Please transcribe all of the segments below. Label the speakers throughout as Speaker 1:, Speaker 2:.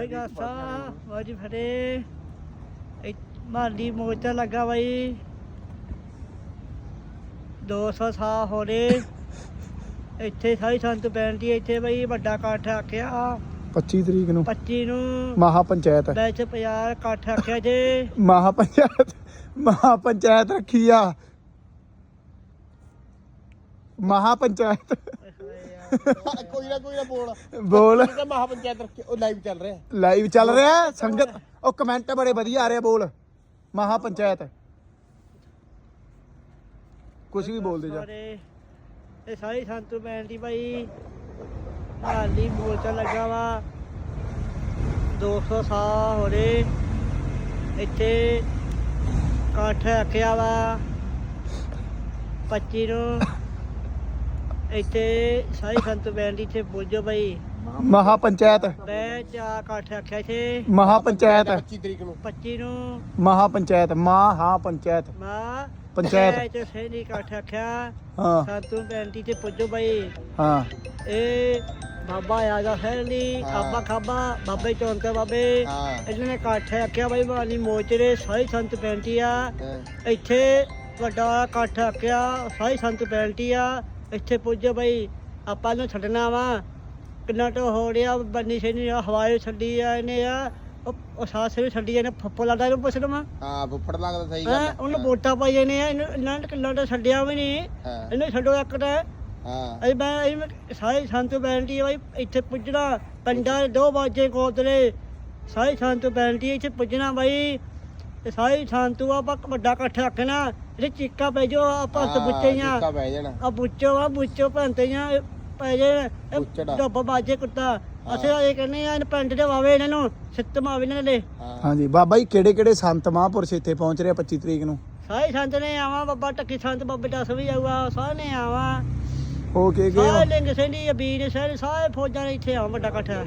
Speaker 1: ਵਾਹਿਗੁਰੂ ਸਾਹਿਬ ਵਾਜੀ ਫਤਿਹ। ਮਾਲੀ ਮੋਰਚਾ ਲੱਗਾ ਬਾਈ 200 ਸਾਲ ਹੋ ਰਹੇ ਇੱਥੇ ਸਾਰੀ ਸੰਤ ਬੇਨਤੀ ਇੱਥੇ ਬਈ ਵੱਡਾ ਇਕੱਠ ਆਖਿਆ
Speaker 2: 25 ਤਰੀਕ ਨੂੰ
Speaker 1: 25 ਨੂੰ
Speaker 2: ਮਹਾ ਪੰਚਾਇਤ
Speaker 1: ਵਿੱਚ 50 ਇਕੱਠ ਆਖਿਆ ਜੇ
Speaker 2: ਮਹਾ ਪੰਚਾਇਤ ਰੱਖੀ ਆ ਮਹਾ ਪੰਚਾਇਤ
Speaker 3: ਕੋਈ ਨਾ
Speaker 2: ਬੋਲ
Speaker 3: ਮਹਾ ਪੰਚਾਇਤ ਰੱਖੀ ਉਹ ਲਾਈਵ ਚੱਲ ਰਿਹਾ
Speaker 2: ਲਾਈਵ ਚੱਲ ਰਿਹਾ ਸੰਗਤ ਉਹ ਕਮੈਂਟ ਬੜੇ ਵਧੀਆ ਆ ਰਹੇ ਬੋਲ ਮਹਾ ਪੰਚਾਇਤ ਕੁਝ ਵੀ ਬੋਲਦੇ ਜਾ
Speaker 1: ਇਹ ਸਾਰੀ ਸੰਤ ਬੇਨਤੀ ਭਾਈ ਮਾਲੀ ਮੋਰਚਾ ਲੱਗਾ ਵਾ 200 ਸਾਲ ਹੋ ਰਹੇ ਇੱਥੇ ਇਕੱਠ ਰੱਖਿਆ ਵਾ 25 ਨੂੰ ਇੱਥੇ ਸਾਰੀ ਸੰਤ ਬੇਨਤੀ ਇੱਥੇ ਪੁੱਜੋ ਭਾਈ
Speaker 2: ਮਹਾ ਪੰਚਾਇਤ
Speaker 1: ਮੈਂ ਜਾ ਇਕੱਠ ਰੱਖਿਆ ਇੱਥੇ
Speaker 2: ਮਹਾ ਪੰਚਾਇਤ
Speaker 3: 25 ਤਰੀਕ ਨੂੰ
Speaker 1: 25 ਨੂੰ
Speaker 2: ਮਹਾ ਪੰਚਾਇਤ ਮਹਾ ਪੰਚਾਇਤ
Speaker 1: ਮਾਂ
Speaker 2: ਪੰਚਾਇਤ
Speaker 1: ਚ ਸਹੀ ਇਕੱਠ ਰੱਖਿਆ
Speaker 2: ਹਾਂ
Speaker 1: ਸੰਤੂ ਬੇਨਤੀ ਤੇ ਪੁੱਜੋ ਭਾਈ
Speaker 2: ਹਾਂ
Speaker 1: ਇਹ ਬਾਬਾ ਆਗਾ ਫੈਲੀ ਖਾਬਾ ਖਾਬਾ ਬਾਬੇ ਚੌਂਕੇ ਬਾਬੇ ਇਹਨਾਂ ਨੇ ਇਕੱਠ ਰੱਖਿਆ ਬਾਈ ਮਾਲੀ ਮੋਚਰੇ ਸਾਰੀ ਸੰਤ ਬੇਨਤੀ ਆ ਇੱਥੇ ਵੱਡਾ ਇਕੱਠ ਰੱਖਿਆ ਸਾਰੀ ਸੰਤ ਬੇਨਤੀ ਆ ਇੱਥੇ ਪੁੱਜੋ ਬਾਈ ਆਪਾਂ ਨੂੰ ਛੱਡਣਾ ਵਾ ਕਿੰਨਾ ਟੋ ਹੋ ਰਿਹਾ ਬੰਨੀ ਸ਼ੇਨੀ ਹਵਾਏ ਛੱਡੀ ਆ ਇਹਨੇ ਆ ਉਹ ਸਾਸੇ ਵੀ ਛੱਡੀ ਇਹਨੇ ਫੱਫੋ ਲਾਦਾ ਇਹਨੂੰ ਪੁੱਛ ਲਵਾਂ
Speaker 3: ਹਾਂ ਫੁੱਫੜ ਲੱਗਦਾ ਸਹੀ ਗੱਲ ਹੈ
Speaker 1: ਉਹਨੂੰ ਵੋਟਾਂ ਪਾਈਆਂ ਨੇ ਇਹਨਾਂ ਨੇ ਕਿੰਨਾ ਟੋ ਛੱਡਿਆ ਵੀ ਨਹੀਂ ਇਹਨੂੰ ਛੱਡੋ ਇੱਕ ਤਾਂ
Speaker 3: ਹਾਂ
Speaker 1: ਮੈਂ ਸਾਰੇ ਸੰਤ ਬੇਨਤੀ ਹੈ ਬਾਈ ਇੱਥੇ ਪੁੱਜਣਾ ਪਿੰਡਾਂ 2 ਵਜੇ ਕੋਤਲੇ ਸਾਰੇ ਸੰਤ ਬੇਨਤੀ ਇੱਥੇ ਪੁੱਜਣਾ ਬਾਈ ਤੇ ਸਾਰੇ ਸੰਤੂ ਆਪਾਂ ਵੱਡਾ ਇਕੱਠ ਰੱਖਣਾ ਇਹਦੇ ਚੀਕਾ ਪੈ ਜੋ ਆਪਾਂ ਹੱਥ ਬੁੱਚੀਆਂ
Speaker 3: ਪੈ ਜਾਣਾ
Speaker 1: ਆ ਬੁੱਚੋ ਭੰਤੀਆਂ ਪੈ ਜੇ ਡੱਬ ਬਾਜੇ ਕੁੱਤਾ ਅਸੀਂ ਇਹ ਕਹਿੰਦੇ ਆ ਪਿੰਡ ਦੇ ਵਾਵੇ ਇਹਨਾਂ ਨੂੰ ਸਿੱਤ ਮਾਵੇ ਇਹਨਾਂ ਦੇ
Speaker 2: ਹਾਂਜੀ ਬਾਬਾ ਜੀ ਕਿਹੜੇ ਕਿਹੜੇ ਸੰਤ ਮਹਾਂਪੁਰਸ਼ ਇੱਥੇ ਪਹੁੰਚ ਰਹੇ 25 ਤਰੀਕ ਨੂੰ
Speaker 1: ਸਾਰੇ ਸੰਤ ਨੇ ਆਵਾ ਬਾਬਾ ਟੱਕੀ ਸੰਤ ਬਾਬੇ ਦਸ ਵੀ ਆਊਗਾ ਸਾਰੇ ਨੇ ਆਵਾ
Speaker 2: ਹੋ ਕੇ ਗਏ
Speaker 1: ਸਾਰੇ ਲਿੰਗ ਸਿੰਘੀ ਅਬੀਰ ਸਾਰੇ ਫੌਜਾਂ ਨੇ ਇੱਥੇ ਆ ਵੱਡਾ ਇਕੱਠ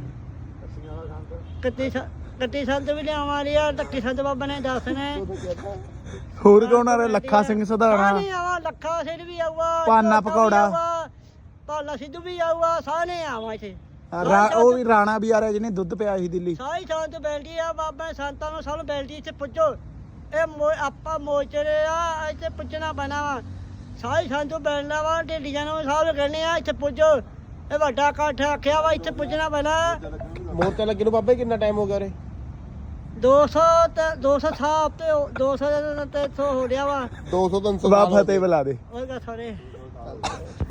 Speaker 1: ਕੱਤੀ ਸੰਤ ਵੀ ਲਿਆਵਾਂ ਰਿਆ ਟੱਕੀ ਸੰਤ ਬਾਬਾ ਨੇ ਦੱਸ ਨੇ
Speaker 2: ਹੋਰ ਕੌਣ ਆ ਰਿਹਾ ਲੱਖਾ ਸਿੰਘ ਸਧਾਰਣਾ
Speaker 1: ਸਾਰੇ ਆਵਾ ਲੱਖਾ ਸਿੰਘ ਵੀ ਆਊਗਾ
Speaker 2: ਪਾਨਾ ਪਕੌੜਾ
Speaker 1: ਪਾਲਾ ਸਿੱਧੂ ਵੀ ਆਊਗਾ ਸਾਰੇ ਆਵਾ ਇੱਥੇ
Speaker 2: ਉਹ ਵੀ ਰਾਣਾ ਵੀ ਆ ਰਿਹਾ ਜਿਹਨੇ ਦੁੱਧ ਪਿਆ ਸੀ ਦਿੱਲੀ
Speaker 1: ਸਾਰੀ ਸੰਤ ਬੈਲਟੀ ਆ ਬਾਬਾ ਸੰਤਾਂ ਨੂੰ ਸਭ ਬੈਲਟੀ ਇੱਥੇ ਪੁੱਜੋ ਇਹ ਆਪਾਂ ਮੋਚਰੇ ਆ ਇੱਥੇ ਪੁੱਜਣਾ ਪੈਣਾ ਵਾ ਸਾਰੀ ਸੰਤ ਬੈਲਣਾ ਵਾ ਢੇਡੀਆਂ ਨੂੰ ਸਭ ਕਹਿੰਦੇ ਆ ਇੱਥੇ ਪੁੱਜੋ ਇਹ ਵੱਡਾ ਇਕੱਠ ਆਖਿਆ ਵਾ ਇੱਥੇ ਪੁੱਜਣਾ ਪੈਣਾ
Speaker 3: ਮੋਰਚਾ ਲੱਗੇ ਨੂੰ ਬਾਬਾ ਕਿੰਨਾ ਟਾਈਮ ਹੋ ਗਿਆ ਉਰੇ
Speaker 1: 200 ਸਾਲ ਤੇ 200 ਤੇ 300 ਹੋ ਰਿਹਾ ਵਾ
Speaker 3: 200 300
Speaker 2: ਬਾਬਾ ਫਤਿਹ ਬੁਲਾ ਦੇ
Speaker 1: ਉਹਗਾ ਸਾਰੇ